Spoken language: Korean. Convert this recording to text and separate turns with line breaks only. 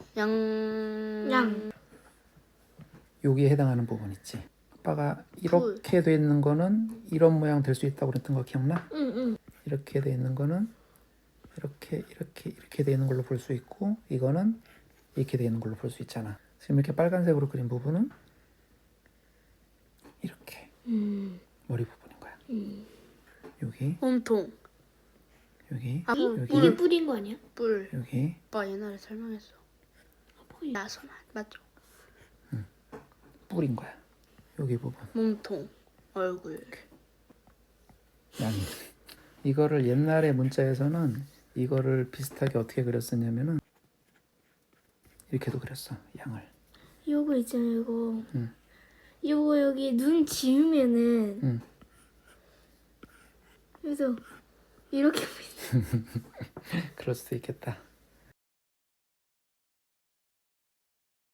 양.
여기에 해당하는 부분 있지. 아빠가 이렇게 돼 있는 거는 이런 모양 될 수 있다고 그랬던 거 기억나?
응.
이렇게 돼 있는 거는 이렇게 돼 있는 걸로 볼 수 있고, 이거는 이렇게 돼 있는 걸로 볼 수 있잖아. 지금 이렇게 빨간색으로 그린 부분은 이렇게 머리 부분인 거야. 여기
몸통.
여기
여기
이게 뿌린 거 아니야?
뿔.
여기
오빠 옛날에 설명했어. 야손 맞죠?
뿔인 거야. 여기 부분.
몸통. 얼굴.
양이. 이거를 옛날에 문자에서는 이거를 비슷하게 어떻게 그렸었냐면은 이렇게도 그렸어. 양을.
요거 있잖아, 이거.
응.
요거 여기 눈 지우면은.
응.
그래서 이렇게
그럴 수도 있겠다.